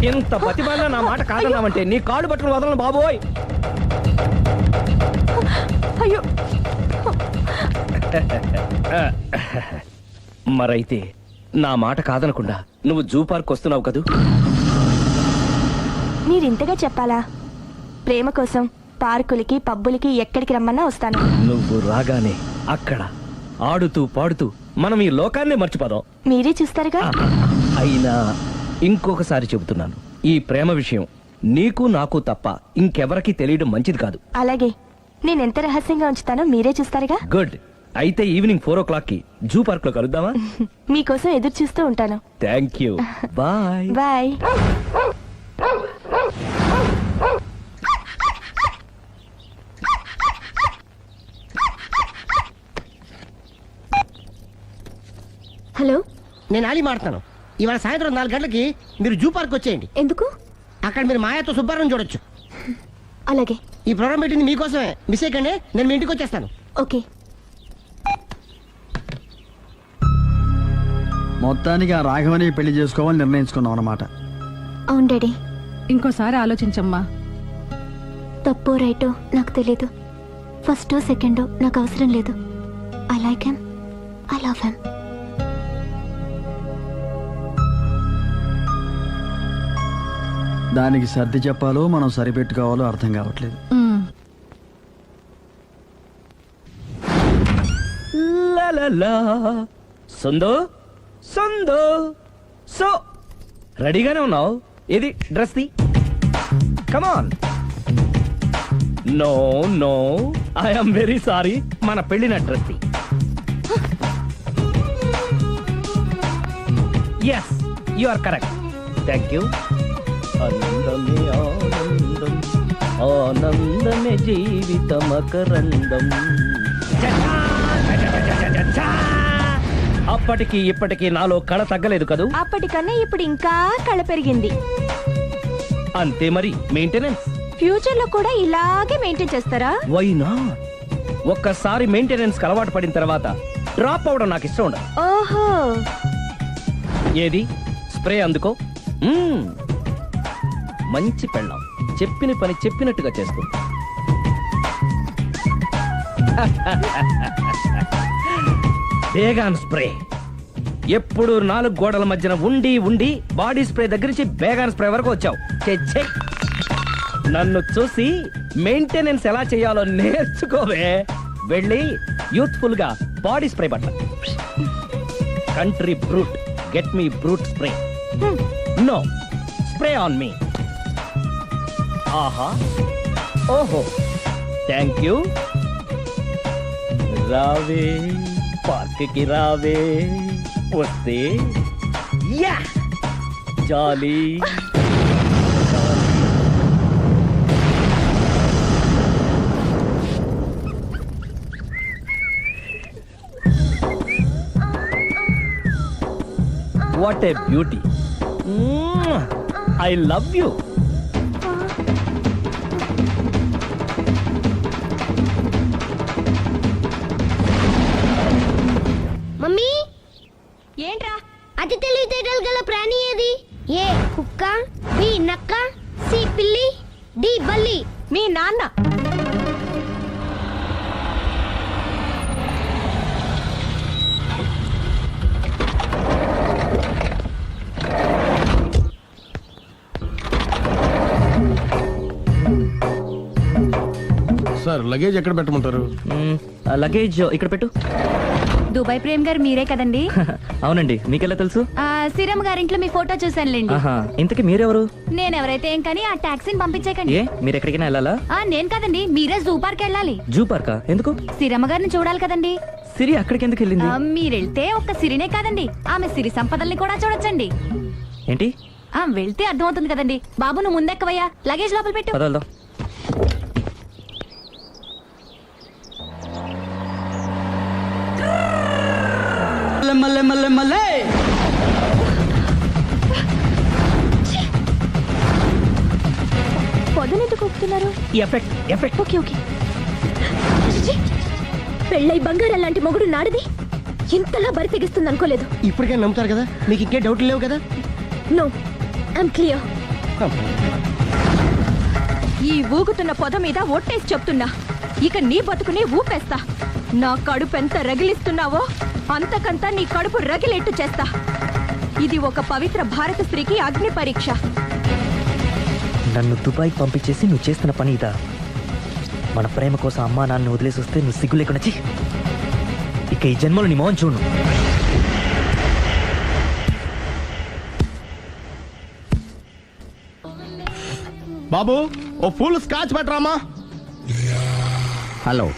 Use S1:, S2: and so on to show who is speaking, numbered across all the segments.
S1: ఇంత బతిమాలినా నా మాట కాదన్నావంటే నీ కాళ్ళు పట్టుకుని వదలను బాబోయ్.
S2: అయ్యో
S1: మరైతే నా మాట కాదనకుండా నువ్వు జూ పార్క్ వస్తున్నావు కదూ?
S2: మీరింతగా చెప్పాలా? ప్రేమ కోసం పార్కులకి పబ్బులకి ఎక్కడికి రమ్మన్నా వస్తాను.
S1: నువ్వు రాగానే అక్కడ ఆడుతూ పాడుతూ మనం ఈ లోకాన్ని మర్చిపోదాం.
S2: మీరే చూస్తారుగా.
S1: అయినా ఇంకొకసారి చెబుతున్నాను, ఈ ప్రేమ విషయం నీకు నాకు తప్ప ఇంకెవరికి తెలియడం మంచిది కాదు.
S2: అలాగే, నేనెంత రహస్యంగా ఉంచుతానో మీరే చూస్తారుగా.
S1: గుడ్. అయితే ఈవినింగ్ 4 o'clock కి జూ పార్క్ లో కలుద్దామా?
S2: మీకోసం ఎదురు చూస్తూ ఉంటాను.
S1: Thank you. Bye
S2: bye.
S3: Hello,
S4: నేను ఆలి మాడతాను. ఇవాళ సాయంత్రం 4 గంటలకి మీరు జూ పార్క్ వచ్చేయండి.
S3: ఎందుకు?
S4: అక్కడ మీరు మాయాతో సుబ్బారావు చూడొచ్చు.
S3: అలాగే.
S4: ఈ ప్రోగ్రామ్ పెట్టింది మీకోసమే. మిస్ అయ్యకండి, నేను మీ ఇంటికి వచ్చేస్తాను.
S3: ఓకే.
S5: మొత్తానికి ఆ రాఘవని పెళ్లి చేసుకోవాలని నిర్ణయించుకున్నాం అన్నమాట.
S3: అవును డాడీ.
S6: ఇంకోసారి ఆలోచించమ్మా.
S3: తప్పో రైటో నాకు తెలీదు. ఫస్టో సెకండో నాకు అవసరం లేదు. I like him, I love him.
S5: దానికి సర్ది చెప్పాలో మనం సరిపెట్టుకోవాలో అర్థం కావట్లేదు.
S1: లలలా. సందో సందో సో రెడీగానే ఉన్నావు? ఇది డ్రెస్ ది. Come on. No no, I'm very sorry. మన పెళ్లిన డ్రెస్ ది. Yes, you are correct. Thank you. ఆనందమే ఆనందం, ఆనందమే జీవితమకరందం. అప్పటికి ఇప్పటికి నాలో కళ తగ్గలేదు కదూ?
S2: అప్పటికన్నా ఇప్పుడు ఇంకా కళ పెరిగింది.
S1: అంతే మరి. మెయింటెనెన్స్
S2: ఫ్యూచర్ లో కూడా ఇలాగే మెయింటైన్ చేస్తారా?
S1: Why not? ఒక్కసారి మెయింటెనెన్స్ అలవాటు పడిన తర్వాత డ్రాప్ అవడం నాకు ఇష్టం ఉండదు.
S2: ఓహో.
S1: ఏది స్ప్రే అందుకో. మంచి పెళ్ళాం, చెప్పిన పని చెప్పినట్టుగా చేస్తుంది. బేగాన్ స్ప్రే ఎప్పుడు 4 గోడల మధ్యన ఉండి ఉండి బాడీ స్ప్రే దగ్గర నుంచి బేగాన్ స్ప్రే వరకు వచ్చావు. నన్ను చూసి మెయింటెనెన్స్ ఎలా చేయాలో నేర్చుకోవే. వెళ్ళి యూత్ఫుల్ గా బాడీ స్ప్రే పట్ల. Country brute, get me brute spray. No, spray on me. ఆహా, ఓహో, థ్యాంక్ యూ. రావే పార్క్ కి రావే, వస్తే yeah jolly. What a beauty. I love you.
S3: Mummy,
S2: ఏంట్రా?
S3: అతి తెలివితేటలు గల ప్రాణి ఏది? ఏ కుక్క, బి నక్క, సి పిల్లి, డి బల్లి.
S2: మీ నాన్న.
S7: సార్, లగేజ్ ఎక్కడ పెట్టమంటారు?
S1: లగేజ్ ఇక్కడ పెట్టు.
S6: దుబాయ్ ప్రేమ్ గారు మీరే కదండి?
S1: అవునండి, మీకెలా తెలుసు?
S6: శ్రీరమ్మ గారింట్లో మీ ఫోటో చూసానులేండి.
S1: ఇంతకీ మీరెవరు?
S6: నేనెవరైతే ఏం కానీ ఆ టాక్సీని పంపించేకండి.
S1: మీరు ఎక్కడికైనా వెళ్ళాలా?
S6: నేను కదండి, మీరే జూ పార్క్ వెళ్ళాలి.
S1: జూ పార్కా? ఎందుకు?
S6: శ్రీరమ్మ గారిని చూడాలి కదండి.
S1: సిరి అక్కడికి ఎందుకు వెళ్ళింది?
S6: మీరెళ్తే ఒక్క సిరినే కాదండి, ఆమె సిరి సంపదల్ని కూడా చూడొచ్చండి.
S1: ఏంటి?
S6: వెళ్తే అర్థమవుతుంది కదండి. బాబు, నువ్వు ముందెక్కవయ్యా, లగేజ్ లోపల పెట్టు.
S1: పదల్దాం.
S2: పొద్దునెందుకు ఒప్పుతున్నారు?
S1: Effect effect.
S2: Okay okay. పెళ్ళై బంగారం లాంటి మొగుడు నాడిది ఇంతలా బరి తెగిస్తుంది అనుకోలేదు.
S4: ఇప్పటికే నమ్ముతారు కదా, మీకు ఇంకే డౌట్లు లేవు కదా?
S2: No, I'm clear. ఈ ఊగుతున్న పొద మీద ఒట్టేసి చెప్తున్నా, ఇక నీ బతుకుని ఊపేస్తా. నా కడుపు ఎంత రగిలిస్తున్నావో అంతకంతా నీ కడుపు రగిలేట్టు చేస్తా. ఇది ఒక పవిత్ర భారత స్త్రీకి అగ్ని పరీక్ష.
S7: నన్ను దుబాయ్కి పంపించేసి నువ్వు చేస్తున్న పని ఇదా? మన ప్రేమ కోసం అమ్మా నాన్న వదిలేసి వస్తే నువ్వు సిగ్గు లేకుండా ఛీ! ఇక ఈ జన్మలో నీ మోహన్ చూడు.
S8: బాబు ఓ ఫుల్ స్కాచ్ పెట్టరామా.
S5: హలో,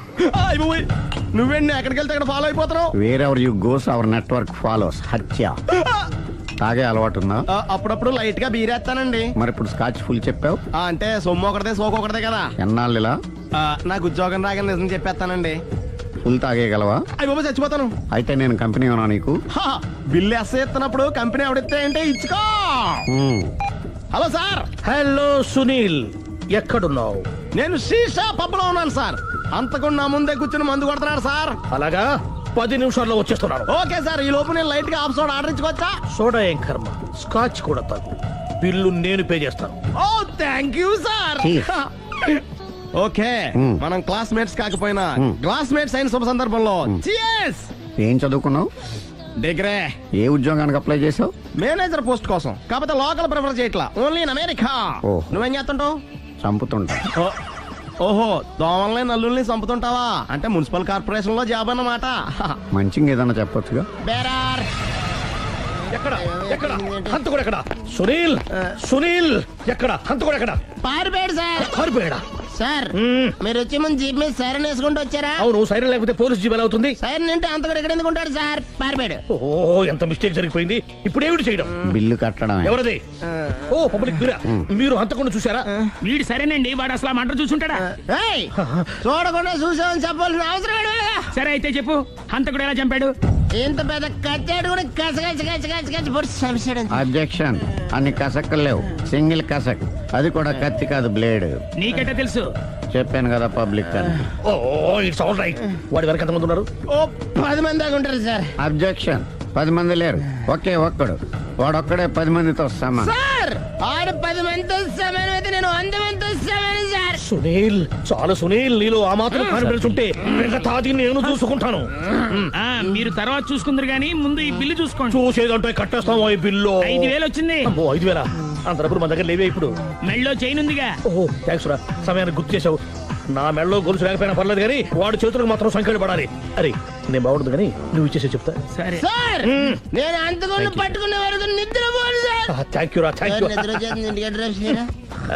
S8: నువ్వేండి ఎక్కడికి వెళ్తే అక్కడ ఫాలో అయిపోతున్నావు?
S5: Wherever you goes our network follows. హత్య. తాగే అలవాటు ఉందా?
S8: అప్పుడప్పుడు లైట్ గా బీరేస్తానండి.
S5: మరి ఇప్పుడు స్కాచ్ ఫుల్ చెప్పావు.
S8: అంటే సొమ్ము ఒకటిదే సోకు ఒకటిదే కదా.
S5: ఎన్నాళ్ళు ఇలా?
S8: నాకు ఉద్యోగం రాగానే నిజం చెప్పేస్తానండి.
S5: ఫుల్ తాగేయగలవా?
S8: అయ్యి బాబు చచ్చిపోతాను.
S5: అయితే నేను కంపెనీ ఉన్నా నీకు.
S8: బిల్లు ఎస్ ఎత్తినప్పుడు కంపెనీ ఎవడిస్తే అంటే ఇచ్చుకో. Hello sir.
S1: హలో సునీల్, ఎక్కడున్నావు?
S8: నేను శీషా పబ్ లో ఉన్నాను సార్. అంతకుండా నా ముందే కూర్చుని మందు కొడుతున్నాడు సార్.
S1: అలాగా, 10 నిమిషాల్లో వచ్చేస్తున్నాను.
S8: ఓకే సార్, ఈ లోపు నేను లైట్ గా ఆఫ్ సోడా ఆర్డర్ ఇచ్చుకోవచ్చా?
S1: సోడా ఏం కర్మ, స్కాచ్ కూడా తాగు. బిల్లు నేను పే చేస్తాను.
S8: Oh thank you sir. Okay, మనం క్లాస్మేట్స్ కాకపోయినా క్లాస్మేట్స్ అయిన శుభ సందర్భంలో cheers.
S5: ఏం చదువుకున్నావు?
S8: డిగ్రీ.
S5: ఏ ఉద్యోగానికి అప్లై చేసావు?
S8: మేనేజర్ పోస్ట్ కోసం. కాకపోతే లోకల్ ప్రిఫర్ చేయట్లా, ఓన్లీ ఇన్ అమెరికా.
S5: ఓ.
S8: నువ్వేం చేస్తుంటావు?
S5: చంపుతుంటా.
S8: ఓహో, దోమల్ని నల్లుల్ని చంపుతుంటావా? అంటే మున్సిపల్ కార్పొరేషన్ లో జాబ్ అన్నమాట.
S5: మంచిగా ఏదన్నా చెప్పొచ్చుగా.
S8: బేరార్.
S1: ఎక్కడ ఎక్కడ హంతకుడు ఎక్కడ? సునీల్, సునీల్ ఎక్కడ? హంతకుడు ఎక్కడ?
S8: పారిపోయాడు సార్.
S1: కారిపోయాడా?
S8: సార్ మీరు వచ్చే ముందు జీప్ మీద సైరన్ వేసుకుంటూ వచ్చారా?
S1: అవును, సైరన్ లేకపోతే పోలీస్ జీబ్ ఎలా అవుతుంది?
S8: సైరన్ అంటే అంతకుడు ఎక్కడ ఎందుకు ఉంటాడు సార్? పారిపోయాడు.
S1: ఓ, ఎంత మిస్టేక్ జరిగిపోయింది. ఇప్పుడు ఏమిటి చేయడం?
S5: బిల్లు కట్టడమే.
S1: ఎవరది? ఓ, పబ్లిక్ మీరా? మీరు హంతకుండా చూసారా?
S9: వీడు సరేనండి, వాడు అసలు ఆ మంట చూసుంటాడా?
S8: ఏయ్, చూడకుండా చూసామని చెప్పాల్సిన అవసరం ఏంటి?
S9: సరే అయితే చెప్పు, హంతకుడు ఎలా చంపాడు?
S8: ఇంత పెద్ద కచ్చాడు కూడా కచ్చ పొడి చంపేశాడు.
S5: అబ్జెక్షన్. అన్ని కసక్కులు లేవు, సింగిల్ కసక్. అది కూడా కత్తి కాదు, బ్లేడ్.
S9: నీకెట్టా తెలుసు?
S5: చెప్పాను కదా పబ్లిక్ అని.
S1: Oh, it's all right. వాడి వెనక ఎంతమంది ఉన్నారు?
S8: ఓ 10 మంది దాకా ఉంటారు సార్.
S5: అబ్జెక్షన్. 10 మంది లేరు, ఒకే ఒక్కడు. వాడొక్కడే 10 మందితో సమానం.
S8: సార్ ఆడు 10 మందితో సమానం అయితే నేను 100 మందితో సమానం సార్.
S1: సునీల్, చాలు సునీల్, నీలో ఆ మాత్రం కాన్ఫిడెన్స్ ఉంటే మిగతాది నేను చూసుకుంటాను.
S9: ఆ మీరు తర్వాత చూసుకుందరు గానీ ముందు ఈ బిల్లు చూసుకోండి.
S1: చూసేదంటే కట్టేస్తాము ఈ బిల్లు.
S9: 5,000 వచ్చింది.
S1: 5,000? అంత డబ్బులు మన దగ్గర లేవే ఇప్పుడు.
S9: మెళ్ళో చైన్ ఉందిగా.
S1: ఓహో, థ్యాంక్స్ రా, సమయానికి గుర్తు చేసావు. నా మెడలో గొలుసు లేకపోయినా పర్లేదు కానీ వాడి చేతులకు మాత్రం సంఖ్యలు పడాలి. అరే, నేను బాగుంటుంది కానీ నువ్వు ఇచ్చేసే చెప్తా.
S9: సరే
S8: సార్ నేను అంతకుండా పట్టుకునే వరకు నిద్రపోను సార్.
S1: థ్యాంక్ యూ రా, థ్యాంక్ యూ.
S8: నిద్ర వచ్చేస్తుంది, ఇంటికి డ్రైవ్ చేయరా?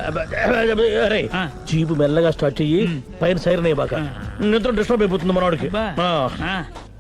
S1: అరే,
S9: ఆ.
S1: జీబు మెల్లగా స్టార్ట్ చెయ్యి, పైన సైరన్ అయ్యాక నిద్ర డిస్టర్బ్ అయిపోతుంది మనవాడికి.
S9: బా.
S1: ఆ.
S9: ఆ.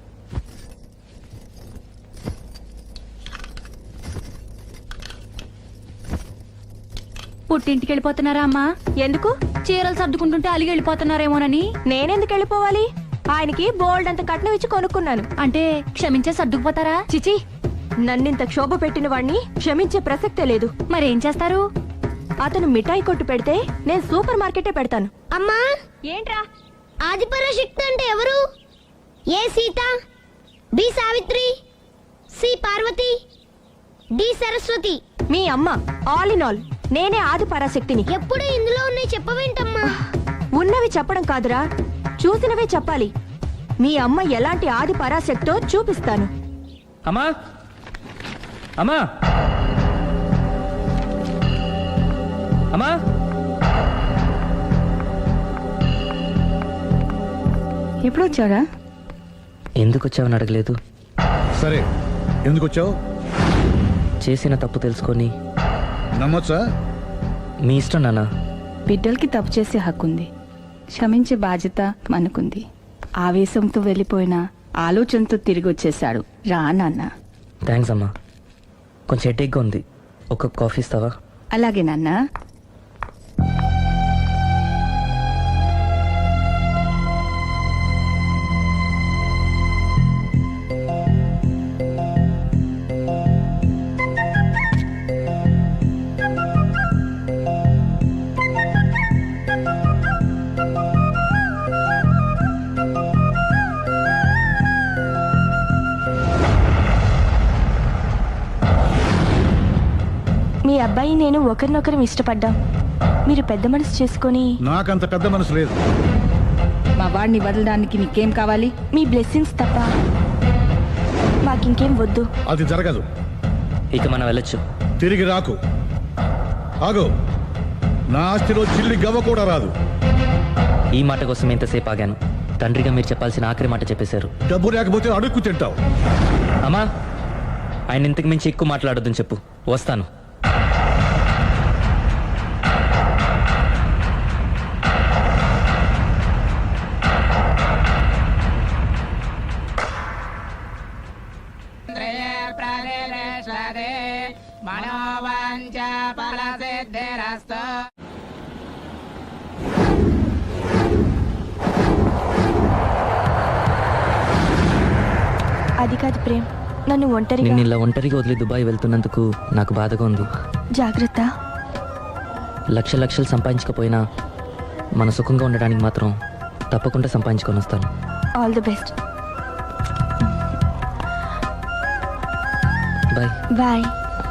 S6: పుట్టింటికి వెళ్ళిపోతున్నారా అమ్మా?
S2: ఎందుకు?
S6: చీరలు సర్దుకుంటుంటే అలిగి వెళ్ళిపోతున్నారేమోనని.
S2: నేనెందుకు వెళ్ళిపోవాలి? ఆయనకి బోల్డ్ అంత కట్నం ఇచ్చి కొనుక్కున్నాను.
S6: అంటే క్షమించే సర్దుకుపోతారా?
S2: చిచి, నన్నింత క్షోభ పెట్టిన వాణ్ణి క్షమించే ప్రసక్తే లేదు.
S6: మరేం చేస్తారు?
S2: అతను మిఠాయి కొట్టు పెడితే నేను సూపర్ మార్కెటే పెడతాను.
S3: అమ్మా,
S2: ఏంట్రా?
S3: ఆదిపరాశక్తి అంటే ఎవరు? A Sita, B Savitri, C Parvati, D Saraswati.
S2: మీ అమ్మ. ఆల్ ఇన్ ఆల్ నేనే ఆది పరాశక్తిని.
S3: ఎప్పుడు ఇందులో ఉన్నాయి చెప్పవేంటమ్మా?
S2: ఉన్నవి చెప్పడం కాదురా, చూసినవే చెప్పాలి. మీ అమ్మ ఎలాంటి ఆది పరాశక్తో చూపిస్తాను.
S7: అమ్మా, అమ్మా, అమ్మా.
S2: ఎప్పుడు వచ్చారా?
S7: ఎందుకు వచ్చావని అడగలేదు.
S10: సరే, ఎందుకు వచ్చావు?
S7: చేసిన తప్పు తెలుసుకొని
S10: నమ్మొచ్చా?
S7: మీ ఇష్టం నాన్న.
S11: బిడ్డలకి తప్పు చేసే హక్కుంది, క్షమించే బాధ్యత మనకుంది. ఆవేశంతో వెళ్ళిపోయిన ఆలోచనతో తిరిగి వచ్చేశాడు. రా నాన్న.
S7: థ్యాంక్స్ అమ్మా. కొంచెం హెడేక్గా ఉంది, ఒక కాఫీ ఇస్తావా?
S11: అలాగే నాన్న.
S2: మీ అబ్బాయి నేను ఒకరినొకరం ఇష్టపడ్డాం. మీరు పెద్ద మనసు చేసుకొని
S10: నాకంత పెద్ద మనసు లేదు.
S11: మా వాడిని వదలడానికి నీకేం కావాలి?
S2: మీ బ్లెస్సింగ్స్ తప్ప మాకింకేం వద్దు.
S10: అది జరగదు.
S7: ఇక మనం వెళ్ళొచ్చు.
S10: తిరిగి రాకు. ఆగు. నా ఆస్తిలో చిల్లి గవ్వ కూడా రాదు.
S7: ఈ మాట కోసం ఎంతసేపు ఆగాను. తండ్రిగా మీరు చెప్పాల్సిన ఆఖరి మాట చెప్పేశారు.
S10: డబ్బు లేకపోతే అడుక్కు తింటావు.
S7: అమ్మా, ఆయన ఇంతకు మించి ఎక్కువ మాట్లాడొద్దని చెప్పు. వస్తాను.
S2: అది కాదు ప్రేమ్, నన్ను ఒంటరిగా
S7: నిన్ను ఇలా ఒంటరిగా వదిలి దుబాయ్ వెళ్తున్నందుకు నాకు బాధగా ఉంది.
S2: జాగ్రత్త.
S7: లక్షలు సంపాదించకపోయినా మన సుఖంగా ఉండడానికి మాత్రం తప్పకుండా సంపాదించుకొని వస్తాను.
S2: All the best.
S7: Bye.
S2: Bye.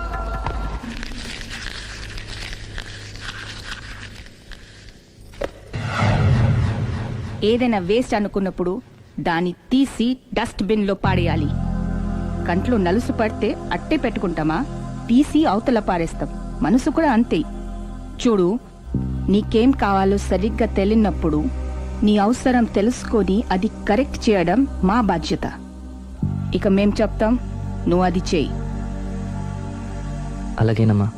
S11: ఏదైనా వేస్ట్ అనుకున్నప్పుడు దాన్ని తీసి డస్ట్ బిన్ లో పాడేయాలి. కంట్లో నలుసు పడితే అట్టే పెట్టుకుంటామా? తీసి అవతల పారేస్తాం. మనసు కూడా అంతే. చూడు, నీకేం కావాలో సరిగ్గా తెలియనప్పుడు నీ అవసరం తెలుసుకొని అది కరెక్ట్ చేయడం మా బాధ్యత. ఇక మేం చెప్తాం, నువ్వు అది చేయి.
S7: అలాగేనమ్మా.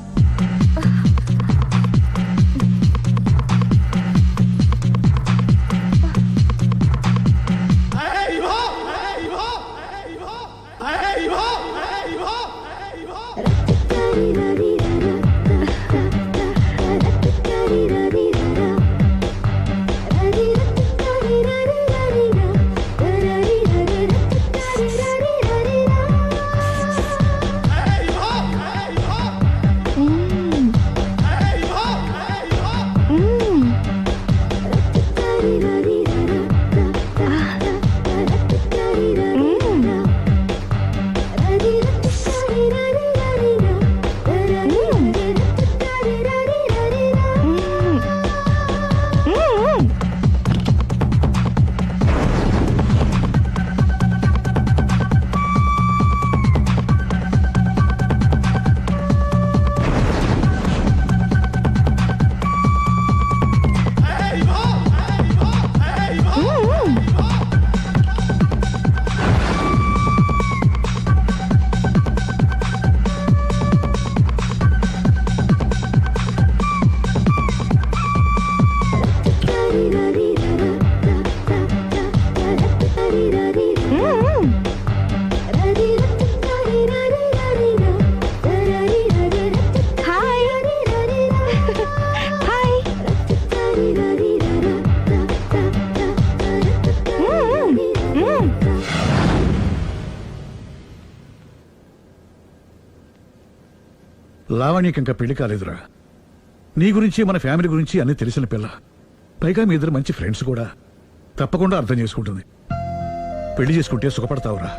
S10: లావణ్యకి ఇంకా పెళ్లి కాలేదురా. నీ గురించి మన ఫ్యామిలీ గురించి అన్ని తెలిసిన పిల్ల. పైగా మీ ఇద్దరు మంచి ఫ్రెండ్స్ కూడా. తప్పకుండా అర్థం చేసుకుంటుంది. పెళ్లి చేసుకుంటే సుఖపడతావురా.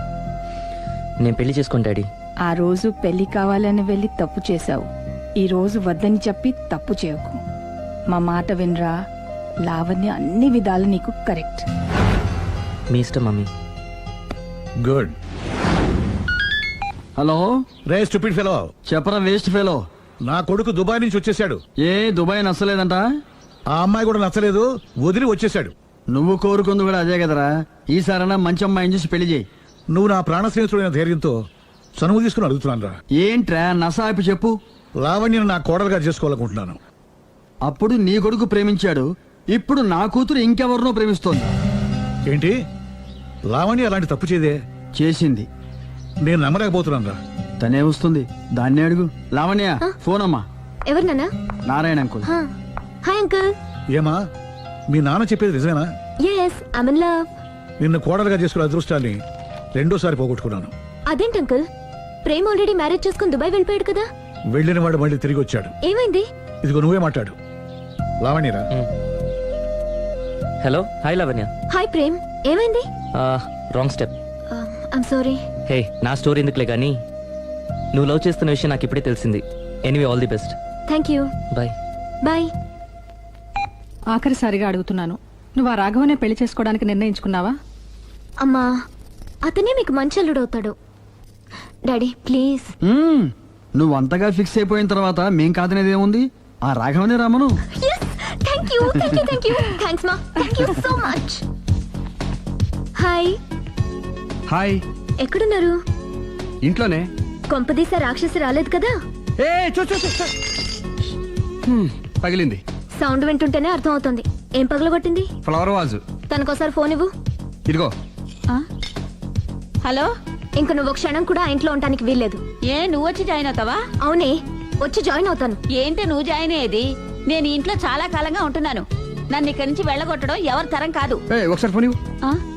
S7: నేను పెళ్లి చేసుకుని డాడీ.
S11: ఆ రోజు పెళ్లి కావాలని వెళ్ళి తప్పు చేశావు. ఈ రోజు వద్దని చెప్పి తప్పు చేయకు. మా మాట వినరా. లావణ్య అన్ని విధాలు నీకు కరెక్ట్.
S7: మీ ఇష్టం మమ్మీ.
S10: గుడ్.
S8: హలో,
S10: రే స్టూపిడ్ ఫెలో.
S8: చెప్పరా వేస్ట్ ఫెలో.
S10: నా కొడుకు దుబాయ్ నుంచి వచ్చేసాడు.
S8: ఏ దుబాయ్ నచ్చలేదంట?
S10: ఆ అమ్మాయి కూడా నచ్చలేదు, వదిలి వచ్చేసాడు.
S8: నువ్వు కోరుకుంది కూడా అదే కదరా. ఈసారైనా మంచి అమ్మాయిని చూసి పెళ్లి చేయి.
S10: నువ్వు నా ప్రాణ స్నేహితుడైన ధైర్యంతో చనువు తీసుకుని అడుగుతున్నాను రా.
S8: ఏంట్రా నసాయిపు చెప్పు.
S10: లావణ్యను నా కోడలుగా చేసుకోవాలనుకుంటున్నాను.
S8: అప్పుడు నీ కొడుకు ప్రేమించాడు, ఇప్పుడు నా కూతురు ఇంకెవరినో ప్రేమిస్తోంది.
S10: ఏంటి? లావణ్య అలాంటి తప్పు చేయదే.
S8: చేసింది.
S10: నేను నమ్మలేకపోతున్నాను రా.
S8: తనే వస్తుంది, దాన్నే అడుగు. లావణ్య, ఫోన్ అమ్మా.
S3: ఎవరు నాన్న?
S8: నారాయణ అంకుల్.
S3: Hi uncle.
S10: ఏమా, మీ నాన్న చెప్పేది నిజమేనా?
S3: yes I'm in love.
S10: నిన్ను కోడలుగా చేసుకునే అదృష్టాన్ని రెండోసారి పోగొట్టుకున్నాను.
S3: అదేంటి అంకుల్, ప్రేమ్ ఆల్రెడీ మ్యారేజ్ చేసుకుని దుబాయ్ వెళ్ళిపోయాడు కదా.
S10: వెళ్ళిన వాడు మళ్ళీ తిరిగి వచ్చాడు.
S3: ఏమైంది?
S10: ఇదిగో నువ్వే మాట్లాడు. లావణ్యరా.
S7: Hello. Hi Lavanya.
S3: Hi Prem, ఏమైంది?
S7: Wrong step.
S3: I'm sorry.
S7: Hey, నా స్టోరీ ఎందుకులే కానీ నువ్వు లవ్ చేస్తున్న విషయం నాకు ఇప్పుడే తెలిసింది. Anyway all the best.
S3: Thank you.
S7: Bye.
S3: Bye.
S11: ఆఖరిసారిగా అడుగుతున్నాను, నువ్వు ఆ రాఘవనే పెళ్లి చేసుకోవడానికి నిర్ణయించుకున్నావా?
S3: అమ్మా, అతనే మీకు మంచి అల్లుడవుతాడు. Daddy please.
S12: నువ్వు అంతగా ఫిక్స్ అయిపోయిన తర్వాత మేం కాదనేది ఏముంది? ఆ రాఘవనే రామను.
S3: Thank you thank you thank you. Thanks మా, thank you so much. Hi.
S12: Hi.
S3: ఎక్కడున్నారు?
S12: ఇంట్లోనే.
S3: కొంపదీస రాక్షసి రాలేదు కదా?
S12: ఏ చూ చూ చూ, చూ. పగిలింది.
S3: సౌండ్ వింటుంటేనే అర్థం అవుతుంది. ఏం పగలగొట్టింది?
S12: Flower vase.
S3: తనకోసారి ఫోన్ ఇవ్వు.
S12: ఇదిగో.
S2: హలో.
S3: ఇంక నువ్వు క్షణం కూడా ఆ ఇంట్లో ఉండడానికి వీల్లేదు.
S2: ఏ నువ్వు వచ్చి జాయిన్ అవుతావా?
S3: అవునే, వచ్చి జాయిన్ అవుతాను.
S2: ఏంటి నువ్వు జాయిన్ అయ్యేది? నేను ఈ ఇంట్లో చాలా కాలంగా ఉంటున్నాను. నన్ను ఇక్కడి నుంచి వెళ్ళగొట్టడం ఎవరి తరం కాదు.
S12: ఒకసారి ఫోన్ ఇవ్వు.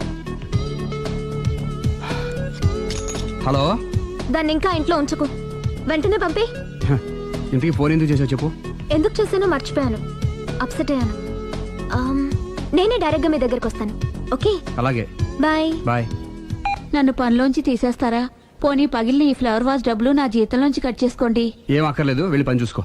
S12: హలో.
S3: దాన్ని ఇంకా ఇంట్లో ఉంచుకో, వెంటనే పంపి.
S12: ఇంతకీ ఫోన్ ఎందుకు చేసావు చెప్పు.
S3: ఎందుకు చేశానో మర్చిపోయాను, అప్సెట్ అయ్యాను. నేనే డైరెక్ట్ గా మీ దగ్గరకు వస్తాను. ఓకే
S12: అలాగే.
S3: బాయ్.
S12: బాయ్.
S2: నన్ను పనిలోంచి తీసేస్తారా? పోనీ పగిలిన ఈ ఫ్లవర్ వాజ్ డబ్బులు నా జీతంలోంచి కట్ చేసుకోండి.
S12: ఏం అక్కర్లేదు, వెళ్ళి పని చూసుకో.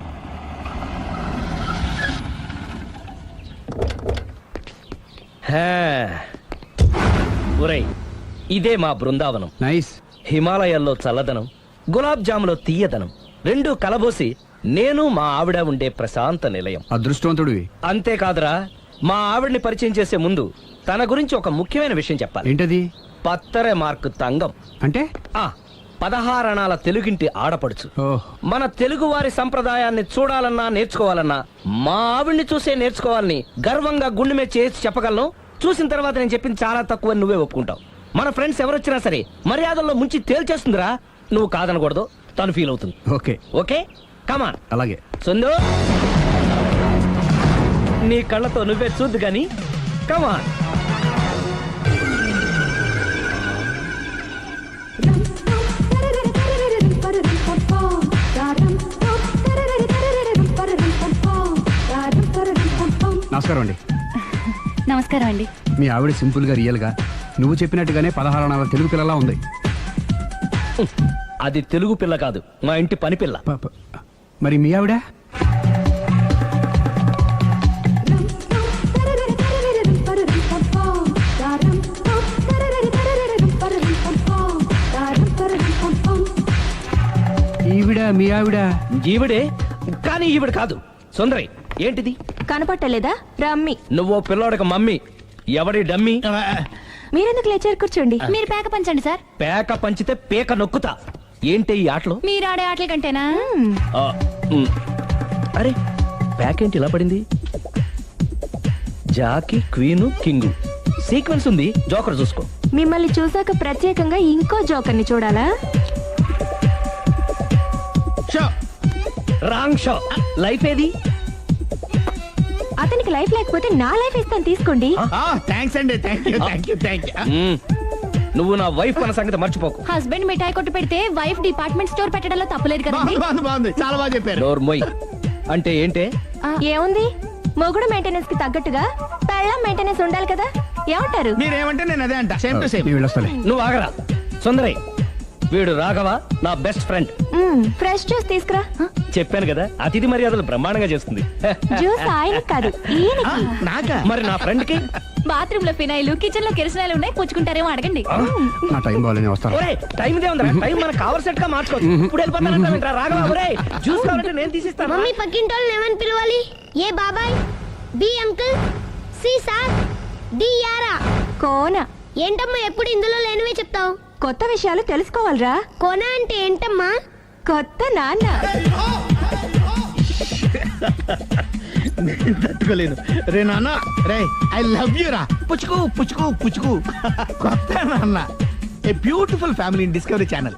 S1: ఒరేయ్, ఇదే మా బృందావనం.
S12: నైస్.
S1: హిమాలయాల్లో చల్లదనం, గులాబ్ జాములో తీయదనం రెండూ కలబోసి నేను మా ఆవిడ ఉండే ప్రశాంత నిలయం.
S12: అదృష్టవంతుడివి.
S1: అంతేకాదురా, మా ఆవిడ్ని పరిచయం చేసే ముందు తన గురించి ఒక ముఖ్యమైన విషయం చెప్పాలి.
S12: ఏంటది?
S1: పత్తరె మార్కు తంగం
S12: అంటే
S1: 16 అణాల తెలుగింటి ఆడపడుచు. మన తెలుగు వారి సంప్రదాయాన్ని చూడాలన్నా నేర్చుకోవాలన్నా మా ఆవిడ్ని చూసే నేర్చుకోవాలని గర్వంగా గుండె మీద చేసి చెప్పగలను. చూసిన తర్వాత నేను చెప్పింది చాలా తక్కువ, నువ్వే ఒప్పుకుంటావు. మన ఫ్రెండ్స్ ఎవరొచ్చినా సరే మర్యాదల్లో ముంచి తేల్చేస్తుందిరా. నువ్వు కాదనకూడదు, తను ఫీల్ అవుతుంది.
S12: Okay
S1: okay come on.
S12: అలాగే.
S1: సుందు, నీ కళ్ళతో నువ్వే చూద్దు గాని కమాన్.
S12: నమస్కారం అండి.
S6: నమస్కారం అండి.
S12: మీ ఆవిడ సింపుల్ గా రియల్ గా నువ్వు చెప్పినట్టుగానే 16 అణాల తెలుగు పిల్లలా ఉంది.
S1: అది తెలుగు పిల్ల కాదు, మా ఇంటి పని పిల్ల.
S12: మరి మీ ఆవిడ? ఈవిడ మీ ఆవిడ?
S1: ఈవిడే, కానీ ఈవిడ కాదు. సుందరి, ఏంటిది
S2: కనపట్టలేదా? రమ్మి.
S1: నువ్వు పిల్లోడక మమ్మీ. ఎవడి డమ్మీ?
S2: మీరెందుకు లేచారు? కూర్చోండి.
S6: మీరు పేక పంచండి సార్.
S1: పేక పంచితే పేక నొక్కుతా. ఏంటి ఈ ఆటలు?
S6: మీరు ఆడే ఆటల కంటేనా?
S1: అరే, ప్యాక్ ఏంటి ఇలా పడింది? జాకీ, క్వీను, కింగు సీక్వెన్స్ ఉంది. జోకర్ చూసుకో.
S2: మిమ్మల్ని చూసాక ప్రత్యేకంగా ఇంకో జోకర్ని చూడాలా?
S1: Wrong show. లైఫ్ ఏది?
S2: అతనికి లైఫ్ లేకపోతే నా లైఫ్ ఇస్తాను, తీసుకోండి.
S8: థ్యాంక్స్ అండి. Thank you.
S1: నువ్వు నా వైఫ్ అన్న సంగతి మర్చిపోకు.
S6: హస్బెండ్ మిఠాయి కొట్టు పెడితే వైఫ్ డిపార్ట్మెంట్ స్టోర్ పెట్టడంలో తప్పులేదు కదండి.
S8: బాగుంది, చాలా బాగా చెప్పారు.
S1: డోర్ మొయ్. అంటే ఏంటే?
S2: ఏముంది, మొగుడు మెయింటెనెన్స్ కి తగ్గట్టుగా పెళ్ళం మెయింటెనెన్స్ ఉండాలి కదా. ఏమంటారు?
S8: మీరేమంటే నేను అదే అంట. Same to same.
S1: నువ్వు ఆగరా. సుందరి, వీడు రాఘవ, నా బెస్ట్ ఫ్రెండ్.
S2: ఫ్రెష్ జ్యూస్ తీసుకురా.
S1: చెప్పాను కదా, అతిథి మర్యాదలు బ్రహ్మాండంగా చేస్తుంది.
S2: జ్యూస్ ఆయన కాదు, ఈయనకి.
S8: నాకా?
S1: మరి నా ఫ్రెండ్ కి?
S6: బాత్రూమ్ లో ఫినాయిల్, కిచెన్ లో కిరసనాయిలు ఉన్నాయి, పుచ్చుకుంటారేమో అడగండి.
S12: నా టైం బాగాలని వస్తాను.
S1: టైం ఇదే ఉందా? టైం మనకు కవర్ సెట్ గా మార్చుకోవచ్చు. ఇప్పుడు వెళ్ళిపోతానంటా రాఘవ. ఒరే, జ్యూస్ కావాలంటే నేను తీసిస్తాను.
S3: మమ్మీ, పక్కింటోళ్ళని ఏమని పిలవాలి? ఏ బాబాయ్, B uncle, C sir, D యారా.
S2: కోన.
S3: ఏంటమ్మా ఎప్పుడు ఇందులో లేనివే చెప్తావు?
S2: కొత్త విషయాలు తెలుసుకోవాలిరా.
S3: కోన అంటే ఏంటమ్మా?
S2: కొత్త నాన్న.
S8: నేను తట్టుకోలేను. రే నాన్న, రే ఐ లవ్ యూ రా. పుచ్చుకు పుచ్చుకు పుచ్చుకు. కొత్త నాన్న, a beautiful family in Discovery channel.